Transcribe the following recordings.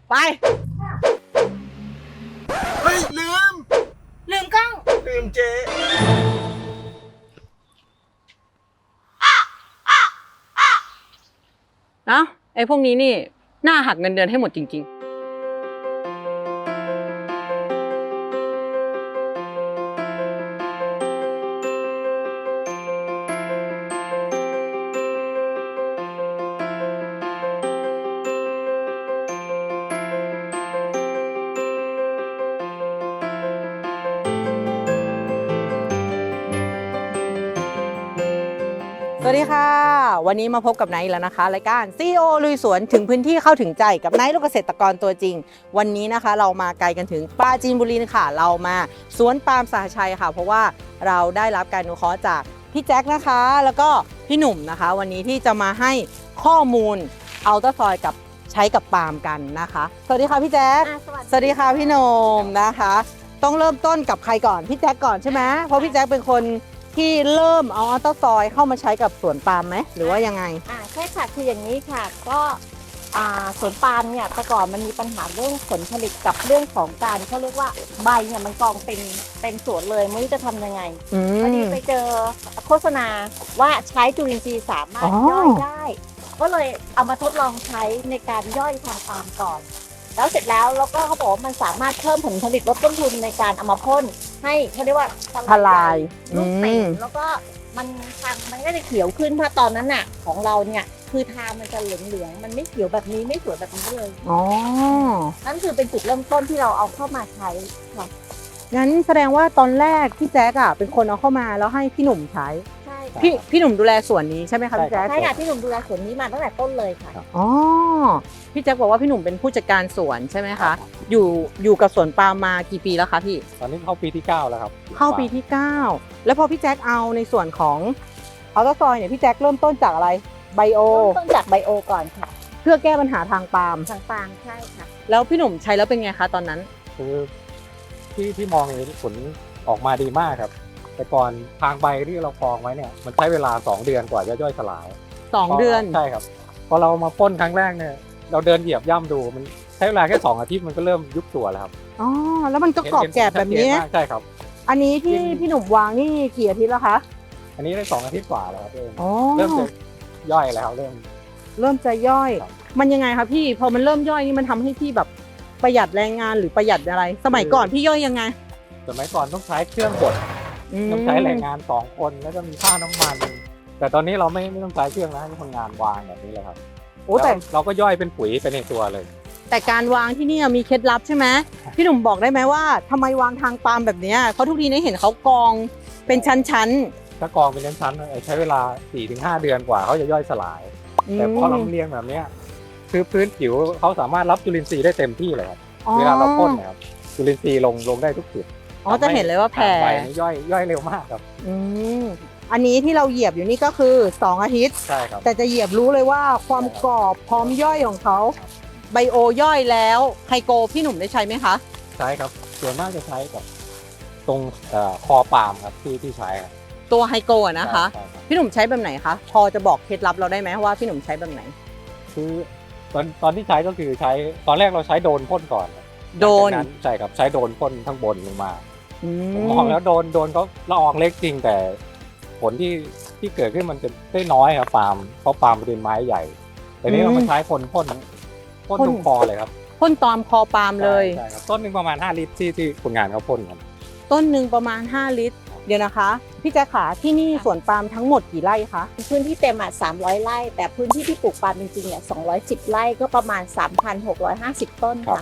ไปเฮ้ยลืมกล้องลืมเจ๊เอ้าไอ้พวกนี้นี่น่าหักเงินเดือนให้หมดจริงๆ สวัสดีค่ะวันนี้มาพบกับไนท์แล้วนะคะรายการ CEO ลุยสวนถึงพื้นที่เข้าถึงใจกับไนท์ลูกเกษตรกรตัวจริงวันนี้นะคะเรามาไกลกันถึงปราจีนบุรีค่ะเรามาสวนปาล์มสหชัยค่ะเพราะว่าเราได้รับการอนุเคราะห์จากพี่แจ็คนะคะแล้วก็พี่หนุ่มนะคะวันนี้ที่จะมาให้ข้อมูลอัลตราซอยกับใช้กับปาล์มกันนะคะสวัสดีค่ะพี่แจ็คสวัสดีค่ะพี่หนุ่มนะคะต้องเริ่มต้นกับใครก่อนพี่แจ็คก่อนใช่ไหมเพราะพี่แจ็คเป็นคนที่เริ่มเอาอัลตราซอยเข้ามาใช้กับสวนปาล์มไหมหรือว่ายังไงใช่ค่ะคืออย่างนี้ค่ะก็สวนปาล์มเนี่ยแต่ก่อนมันมีปัญหาเรื่องผลผลิตกับเรื่องของการเขาเรียกว่าใบเนี่ยมันกองเป็นสวนเลยไม่รู้จะทำยังไงพอดีไปเจอโฆษณาว่าใช้จุลินทรีย์สามารถย่อยได้ก็เลยเอามาทดลองใช้ในการย่อยทางปาล์มก่อนแล้วเสร็จแล้วก็เขาบอกว่ามันสามารถเพิ่มผลผลิตลดต้นทุนในการเอามาพ่นให้เขาเรียกว่าทลายลูกเต่งแล้วก็มันทางมันก็จะเขียวขึ้นเพราะตอนนั้นน่ะของเราเนี่ยคือทางมันจะเหลืองๆมันไม่เขียวแบบนี้ไม่สวยแบบนี้เลยอ๋อนั่นคือเป็นจุดเริ่มต้นที่เราเอาเข้ามาใช้ค่ะงั้นแสดงว่าตอนแรกพี่แจ๊กเป็นคนเอาเข้ามาแล้วให้พี่หนุ่มใช้ใช่พี่หนุ่มดูแลสวนนี้ใช่ไหมคะพี่แจ๊กใช่ค่ะพี่หนุ่มดูแลสวนนี้มาตั้งแต่ต้นเลยค่ะอ๋อพี่แจ๊กบอกว่าพี่หนุ่มเป็นผู้จัดการสวนใช่ไหมคะอยู่กับสวนปาล์มมากี่ปีแล้วคะพี่ตอนนี้เข้าปีที่9แล้วครับเข้าปีที่9แล้วพอพี่แจ๊กเอาในส่วนของอัลตราซอยเนี่ยพี่แจ๊กเริ่มต้นจากอะไรไบโอต้นจากไบโอก่อนค่ะเพื่อแก้ปัญหาทางปาล์มใช่ค่ะแล้วพี่หนุ่มใช้แล้วเป็นไงคะตอนนั้นคือที่มองเห็นผลออกมาดีมากครับแต่ก่อนทางใบที่เรากองไว้เนี่ยมันใช้เวลา2 เดือนกว่าจะย่อยสลาย 2 เดือนใช่ครับพอเรามาพ่นครั้งแรกเนี่ยเราเดินเหยียบย่ำดูมันใช้เวลาแค่2 อาทิตย์มันก็เริ่มยุบตัวแล้วครับอ๋อแล้วมันก็กรอบแกบแบบนี้ใช่ครับอันนี้ที่พี่หนุ่มวางนี่กี่อาทิตย์แล้วคะอันนี้ได้2 อาทิตย์กว่าแล้วครับเริ่มจะย่อยแล้วเริ่มจะย่อยมันยังไงคะพี่พอมันเริ่มย่อยนี่มันทำให้พี่แบบประหยัดแรงงานหรือประหยัดอะไรสมัยก่อนพี่ย่อยยังไงสมัยก่อนต้องใช้เครื่องบดต้องใช้แรงงาน2 คนแล้วก็มีค่าน้ำมันแต่ตอนนี้เราไม่ต้องใช้เครื่องนะให้คนงานวางแบบนี้เลยครับโอ้แต่เราก็ย่อยเป็นปุ๋ยไปในตัวเลยแต่การวางที่นี่มีเคล็ดลับใช่ไหมพี่หนุ่มบอกได้ไหมว่าทำไมวางทางปาล์มแบบนี้เพราะทุกทีนี้เห็นเขากองเป็นชั้นถ้ากองเป็นชั้นๆใช้เวลา 4-5 เดือนกว่าเขาจะย่อยสลายแต่พอเราเรียงแบบนี้คือพื้นผิวเขาสามารถรับจุลินทรีย์ได้เต็มที่เลยครับเวลาเราพ่นนะครับจุลินทรีย์ลงได้ทุกจุดจะเห็นเลยว่าแผ่ใบย่อยเร็วมากครับอันนี้ที่เราเหยียบอยู่นี่ก็คือ2 อาทิตย์ใช่ครับแต่จะเหยียบรู้เลยว่าความกรอบพร้อมย่อยของเขาไบโอย่อยแล้วไฮโกพี่หนุ่มได้ใช้ไหมคะใช้ครับส่วนมากจะใช้กับตรงคอปาล์มครับที่ใช้ครับตัวไฮโกนะคะพี่หนุ่มใช้แบบไหนคะพอจะบอกเคล็ดลับเราได้ไหมว่าพี่หนุ่มใช้แบบไหนคือตอนที่ใช้ก็คือใช้ตอนแรกเราใช้โดนพ่นก่อนโดนใช่ครับใช้โดนพ่นข้างบนลงมาผมมองแล้วโดนเขาละอองเล็กจริงแต่ผลที่เกิดขึ้นมันจะได้น้อยครับปาล์มเพราะปาล์มเป็นไม้ใหญ่แต่นี้เรามาใช้พ่นตรงคอเลยครับพ่นตอมคอปาล์มเลยใช่ครับต้นหนึ่งประมาณ5 ลิตรที่คนงานเขาพ่นกันต้นหนึ่งประมาณ5 ลิตรเดี๋ยวนะคะพี่แจ๊คขาที่นี่สวนปาล์มทั้งหมดกี่ไร่คะพื้นที่เต็ม300 ไร่แต่พื้นที่ที่ปลูกปาล์มจริงๆเนี่ย210 ไร่ก็ประมาณ 3,650 ต้นค่ะ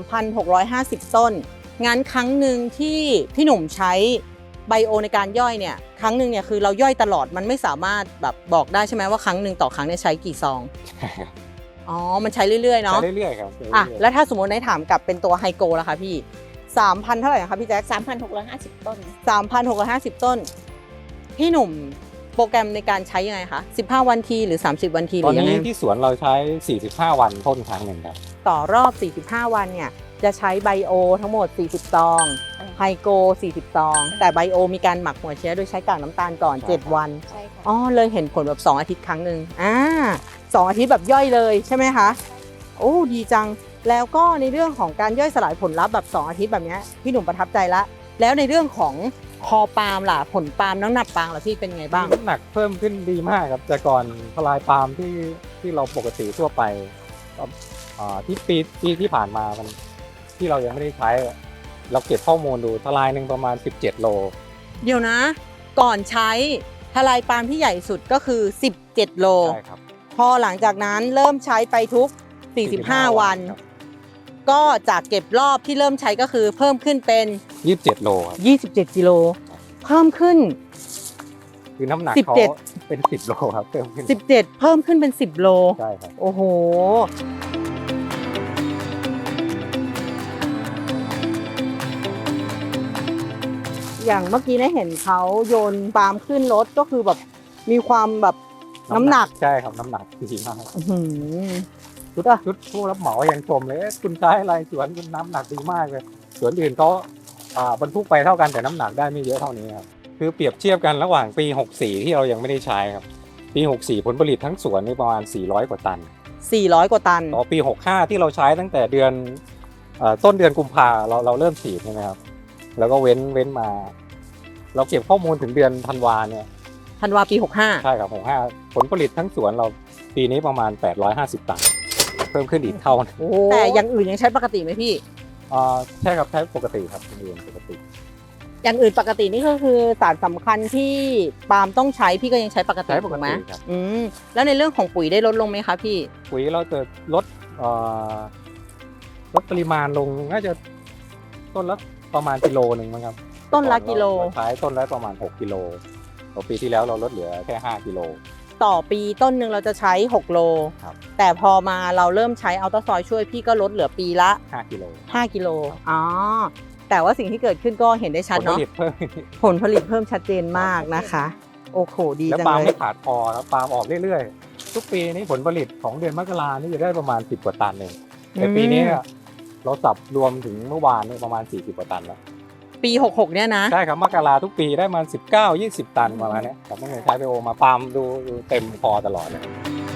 3,650 ต้นงั้นครั้งหนึ่งที่พี่หนุ่มใช้ไบโอในการย่อยเนี่ยครั้งหนึ่งเนี่ยคือเราย่อยตลอดมันไม่สามารถแบบบอกได้ใช่ไหมว่าครั้งหนึ่งต่อครั้งเนี่ยใช้กี่ซองอ๋อมันใช้เรื่อยๆเนาะใช้เรื่อยๆครับแล้วถ้าสมมติในถามกับเป็นตัวไฮโกล่ะคะพี่3,000เท่าไหร่นะคะพี่แจ๊ค 3,650 ต้น 3,650 ต้นพี่หนุ่มโปรแกรมในการใช้ยังไงคะ15 วันทีหรือ30 วันทีหรือยังไงตอนนี้ที่สวนเราใช้45 วันพ่นครั้งหนึ่งครับต่อรอบ45 วันเนี่ยจะใช้ไบโอทั้งหมด40 ซองไฮโก40 ซองแต่ไบโอมีการหมักหัวเชื้อโดยใช้กากน้ำตาลก่อน7 วันใช่ค่ะเลยเห็นผลแบบ2 อาทิตย์ครั้งหนึ่ง2 อาทิตย์แบบย่อยเลยใช่ไหมคะโอ้ดีจังแล้วก็ในเรื่องของการย่อยสลายผลลัพธ์แบบ2อาทิตย์แบบเนี้ยพี่หนุ่มประทับใจละแล้วในเรื่องของคอปาล์มล่ะผลปาล์มน้ำหนักปาล์มล่ะพี่เป็นไงบ้างน้ำหนักเพิ่มขึ้นดีมากครับแต่ก่อนทลายปาล์มที่เราปกติทั่วไปที่ปีที่ผ่านมามันที่เรายังไม่ได้ใช้เราเก็บข้อมูลดูทลายหนึ่งประมาณ17โลเดี๋ยวนะ ก่อนใช้ทลายปาล์มที่ใหญ่สุดก็คือ17โลใช่ครับพอหลังจากนั้นเริ่มใช้ไปทุก45วันครับก็จากเก็บรอบที่เริ่มใช้ก็คือเพิ่มขึ้นเป็น 27โลครับ 27กิโลเพิ่มขึ้นคือน้ำหนัก 17 เขาเป็น10โลครับเพิ่มขึ้น 17เพิ่มขึ้นเป็น10โลใช่ครับโอ้โหอย่างเมื่อกี้ได้เห็นเขาโยนปาล์มขึ้นรถก็คือแบบมีความแบบน้ำหนักใช่ครับน้ำหนักดีมากอื้อหือชุดผู้รับเหมายังชมเลยคุณใช้อะไรสวนคุณน้ำหนักดีมากเลยสวนอื่นเขาบรรทุกไปเท่ากันแต่น้ำหนักได้ไม่เยอะเท่านี้ครับคือเปรียบเทียบกันระหว่างปี64ที่เรายังไม่ได้ใช้ครับปี64ผลผลิตทั้งสวนนี่ประมาณ400กว่าตัน 400กว่าตันต่อปี65ที่เราใช้ตั้งแต่เดือนต้นเดือนกุมภาเราเริ่มฉีดใช่ไหมครับแล้วก็เว้นมา เราเก็บข้อมูลถึงเดือนธันวาเนี่ยธันวาปี65 ใช่ครับ65ผลผลิตทั้งสวนเราปีนี้ประมาณ850ตันเพิ่มขึ้นอีกเท่าแต่อย่างอื่นยังใช้ปกติไหมพี่ใช่ครับใช้ปกติครับเรียนปกติอย่างอื่นปกตินี่ก็คือสารสำคัญที่ปาล์มต้องใช้พี่ก็ยังใช้ปกติใช้ปกถูกไหมติครับแล้วในเรื่องของปุ๋ยได้ลดลงไหมคะพี่ปุ๋ยเราจะลดปริมาณลงน่าจะต้นละประมาณกิโลหนึ่งมั้งครับต้นละกิโลเราใช้ต้นละประมาณ6กิโลต่อปีที่แล้วเราลดเหลือแค่5กิโลต่อปีต้นหนึ่งเราจะใช้6โลครับแต่พอมาเราเริ่มใช้อัลตราซอยช่วยพี่ก็ลดเหลือปีละ 5กิโล 5กิโลอ๋อแต่ว่าสิ่งที่เกิดขึ้นก็เห็นได้ชัดผลผเนาะลิตเพิ่มผลผลิตเพิ่มชัดเจนมากนะคะ โอ้โหดีแล้วจังปาล์มเลยไม่ขาดพอแล้วปาล์มออกเรื่อยๆทุกปีนี้ผลผลิตของเดือนมกรานี่จะได้ประมาณ10กว่าตันเองแต่ปีนี้เราสับรวมถึงเมื่อวานนี่ประมาณ40กว่าตันแล้วปี66เนี่ยนะใช่ครับมกราทุกปีได้มา19-20 ตันประมาณนี้ผมไม่เคยใช้ไปโอมาปาล์มดูเต็มพอตลอดเลย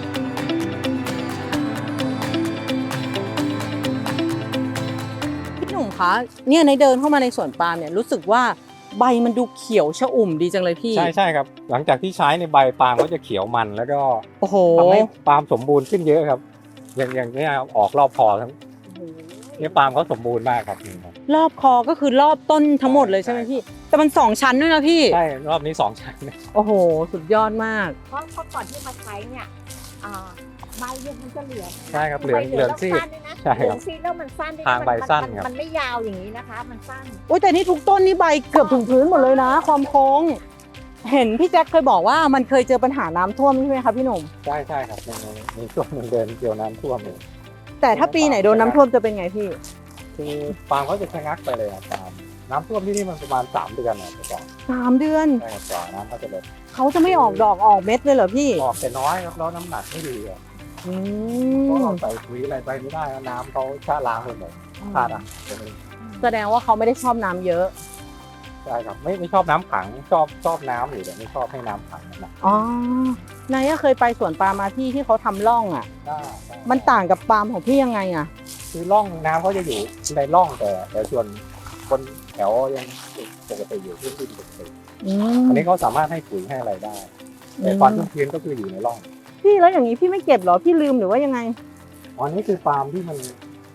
พี่หนุ่มคะเนี่ยในเดินเข้ามาในสวนปาล์มเนี่ยรู้สึกว่าใบมันดูเขียวชอุ่มดีจังเลยพี่ใช่ครับหลังจากที่ใช้ในใบปาล์มก็จะเขียวมันแล้วก็โอ้โหทำให้ปาล์มสมบูรณ์ขึ้นเยอะครับอย่างนี้ครับออกรอบคอทั้งเนี่ยปาล์มเขาสมบูรณ์มากครับรอบคอก็คือรอบต้นทั้งหมดเลยใช่ไหมพี่ แต่มัน2ชั้นด้วยนะพี่ใช่รอบนี้2ชั้นโอ้โห สุดยอดมากเพราะก่อนที่มาใช้เนี่ยใบเนี่ยมันจะเหลืองใช่ครับเหลืองซีดสั้นด้วยนะใช่เหลืครัอบ งซีดแล้วมันสั้นด้วยทางใบสั้นครับมันไม่ยาวอย่างนี้นะคะ มันสั้นโอ้ยแต่นี่ทุกต้นนี่ใบเกือบถึงพื้นหมดเลยนะ ความโค้ง เห็นพี่แจ็คเคยบอกว่ามันเคยเจอปัญหาน้ำท่วมใช่ไหมคะพี่หนุ่มใช่ครับในช่วงหนึ่งเดือนเกี่ยวน้ำท่วมเลยแต่ถ้าปีไหนโดนน้ำท่วมจะเป็นไงพี่คือปาล์มเขาจะชะงักไปเลยครับปาล์มน้ำท่วมที่นี่มันประมาณ3เดือนนะแต่ก่อน 3 เดือนใช่ครับกว่าน้ำเขาจะลดเขาจะไม่ออกดอกออกเม็ดเลยเหรอพี่ออกแต่น้อยครับแล้วน้ำหนักไม่ดีครับอืเพราะมเราใส่ปุ๋ยอะไรไปไม่ได้แล้วน้ำเขาชะล้างไปหมดขาดอ่ะแสดงว่าเขาไม่ได้ชอบน้ำเยอะใช่ครับไม่ชอบน้ำขังชอบน้ำอยู่แต่ไม่ชอบให้น้ำขังนะอ๋อนายก็เคยไปสวนปาล์มมาที่เขาทำร่องอ่ะได้มันต่างกับปาล์มของพี่ยังไงอ่ะคือร่องน้ำเขาจะอยู่ในร่องแต่ส่วนบนแถวยังปกติอยู่พื้นที่ปกติ อันนี้เขาสามารถให้ปุ๋ยให้อะไรได้ แต่ความชุ่มชื้นก็คืออยู่ในร่องพี่แล้วอย่างนี้พี่ไม่เก็บเหรอ พี่ลืมหรือว่ายังไงอันนี้คือปาล์มที่มัน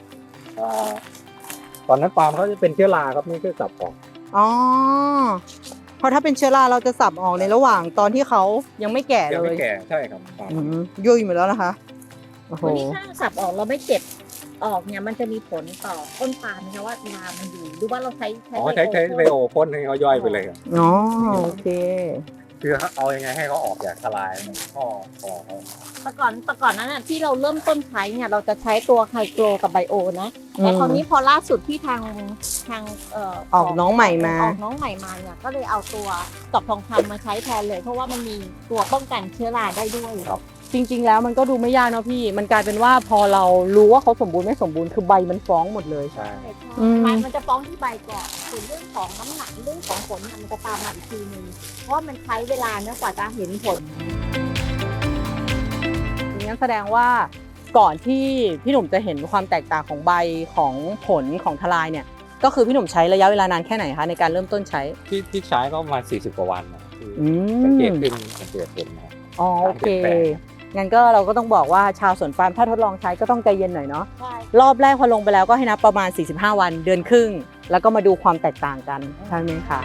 ตอนนั้นปาล์มเขาจะเป็นเชื้อราครับนี่คือสับออกอ๋อ เพราะถ้าเป็นเชื้อราเราจะสับออกในระหว่างตอนที่เขายังไม่แก่ยังเลไม่ยแก่ใช่ครับปาล์มยุ่ยหมดแล้วนะคะ โอ้โหวันนี้ถ้าสับออกเราไม่เก็บออกเนี่ยมันจะมีผลต่อต้นปาล์มนะคะว่ารามันอยู่หรือว่าเราใช้ใช้ไบโอพ่นให้เขาย่อยไปเลยครับอ๋อ โอเคคือเอายังไงให้เขาออกจากทลายข้อเขาแต่ก่อนนั้นน่ะที่เราเริ่มต้นใช้เนี่ยเราจะใช้ตัวไฮโกรกับไบโอนะแต่คราวนี้พอล่าสุดที่ทางออกน้องใหม่มาออกน้องใหม่มาเนี่ยก็เลยเอาตัวตอบทองคำมาใช้แทนเลย เพราะว่ามันมีตัวป้องกันเชื้อราได้ด้วยจริงๆ แล้วมันก็ดูไม่ยากเนาะพี่ มันกลายเป็นว่าพอเรารู้ว่าเขาสมบูรณ์ไม่สมบูรณ์คือใบมันฟ้องหมดเลยใช่มันจะฟ้องที่ใบก่อนส่วนเรื่องของน้ำหนักเรื่องของผลมันจะตามมาอีกทีนึงเพราะว่ามันใช้เวลาเนื่องกว่าจะเห็นผลงั้นแสดงว่าก่อนที่พี่หนุ่มจะเห็นความแตกต่างของใบของผลของทลายเนี่ยก็คือพี่หนุ่มใช้ระยะเวลานานแค่ไหนคะในการเริ่มต้นใช้ที่ใช้ก็ประมาณ40 กว่าวันนะคืออืสังเกตมขึ้นสังเกตเห็นนะครับอ๋อโอเคงั้นก็เราก็ต้องบอกว่าชาวสวนปาล์มถ้าทดลองใช้ก็ต้องใจเย็นหน่อยเนาะใช่รอบแรกพอลงไปแล้วก็ให้นับประมาณ45 วันเดือนครึ่งแล้วก็มาดูความแตกต่างกันใช่ไหมคะ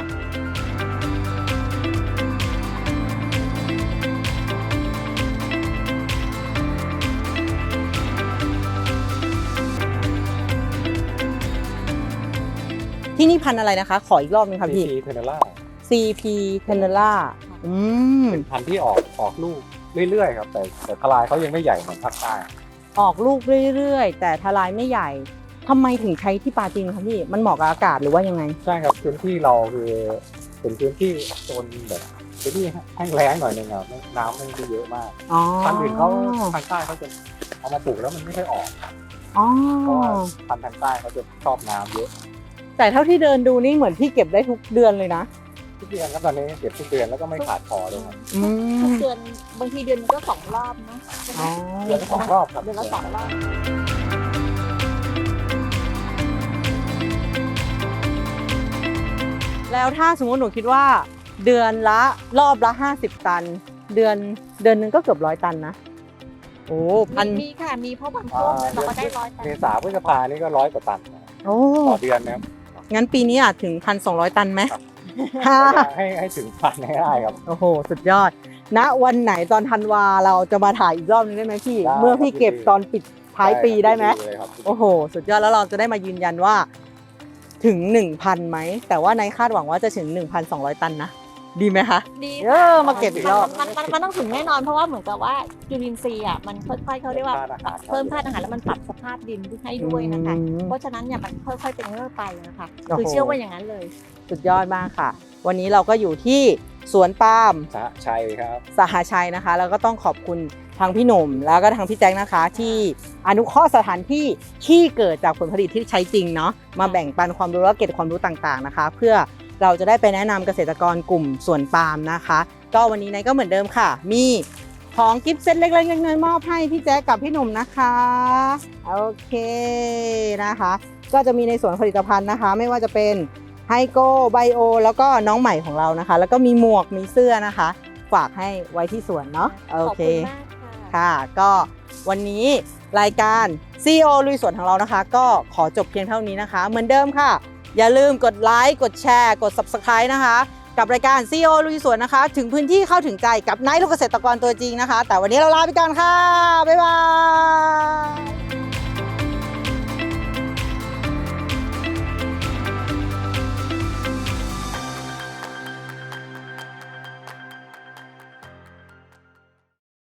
ที่นี่พันธุ์อะไรนะคะขออีกรอบนึงค่ะพี่ CP Tenera CP Tenera อืมเป็นพันธุ์ที่ออกลูกเรื่อยๆครับแต่ทลายเขายังไม่ใหญ่เหมือนภาคใต้ออกลูกเรื่อยๆ แต่ทลายไม่ใหญ่ทำไมถึงใช้ที่ปาจีนคะพี่มันเหมาะกับอากาศหรือว่ายังไงใช่ครับพื้นที่เราคือเป็นพื้นที่โซนแบบพื้นที่แห้งแล้งหน่อยนึงครับน้ำไม่ได้เยอะมากอ๋อพันธุ์อื่นเขาทางใต้เขาจะเอามาปลูกแล้วมันไม่ค่อยออกอ๋อเพราะว่าพันธุ์ทางใต้เขาจะชอบน้ำเยอะแต่เท่าที่เดินดูนี่เหมือนพี่เก็บได้ทุกเดือนเลยนะทุกเดือนครับตอนนี้เก็บทุกเดือนแล้วก็ไม่ขาดพอเลยครับอืทุกมเดือนบางทีเดือนนึงก็2 รอบนะอ๋อเดือนละ2 รอบครับเดือนละ2 รอบแล้วถ้าสมมติหนูคิดว่า เดือนละรอบละ50 ตัน เดือนหนึงก็เกือบ100 ตันนะโอ้พันมีค่ะมีเพราะบางช่วงเราก็ได้100 ตันเมษาพฤษภานี่ก็100 กว่าตันนะครับโอ้ต่อเดือนนะครับงั้นปีนี้อาจถึง 1,200 ตันไหมให้ถึงพันให้ได้ครับโอ้โห สุดยอด ณ วันไหนตอนธันวาเราจะมาถ่ายอีกรอบนึงได้ไหมพี่ได้เมื่อพี่เก็บตอนปิดท้ายปีได้ไหมเลยครับโอ้โห สุดยอดแล้วเราจะได้มายืนยันว่าถึง 1,000 ไหม แต่ว่าในคาดหวังว่าจะถึง 1,200 ตันนะ ดีไหมคะดีมาเก็บอีกรอบมันต้องถึงแน่นอนเพราะว่าเหมือนกับว่าจุลินทรีย์อ่ะมันค่อยๆเขาเรียกว่าเพิ่มธาตุอาหารแล้วมันปรับสภาพดินให้ด้วยนะคะ เพราะฉะนั้นเนี่ยมันค่อยๆเป็นเรื่อยไปนะคะโอ้โหคือเชื่อว่าอย่างนั้นเลยสุดยอดมากค่ะ วันนี้เราก็อยู่ที่สวนปาล์มสหชัยครับสหชัยนะคะ แล้วก็ต้องขอบคุณทางพี่หนุ่มแล้วก็ทางพี่แจ็คนะคะ ที่อนุเคราะห์สถานที่ที่เกิดจากผลผลิตที่ใช้จริงเนาะมาแบ่งปันความรู้และเก็บความรู้ต่างๆนะคะ เพื่อเราจะได้ไปแนะนำเกษตรกรกลุ่มสวนปาล์มนะคะ ก็วันนี้นายก็เหมือนเดิมค่ะ มีของกิฟต์เซตเล็กๆน้อยๆมอบให้พี่แจ๊คกับพี่หนุ่มนะคะโอเคนะคะ ก็จะมีในส่วนผลิตภัณฑ์นะคะ ไม่ว่าจะเป็นไฮโกไบโอแล้วก็น้องใหม่ของเรานะคะ แล้วก็มีหมวกมีเสื้อนะคะ ฝากให้ไว้ที่สวนเนาะโอขอบเคคุณมากค่ะค่ะ ก็วันนี้รายการ CEO ลุยสวนของเรานะคะ ก็ขอจบเพียงเท่านี้นะคะ เหมือนเดิมค่ะ อย่าลืมกดไลค์กดแชร์กด Subscribe นะคะ กับรายการ CEO ลุยสวนนะคะ ถึงพื้นที่เข้าถึงใจกับนายลูกเกษตรกรตัวจริงนะคะ แต่วันนี้เราลาไปก่อนค่ะ บ๊ายบาย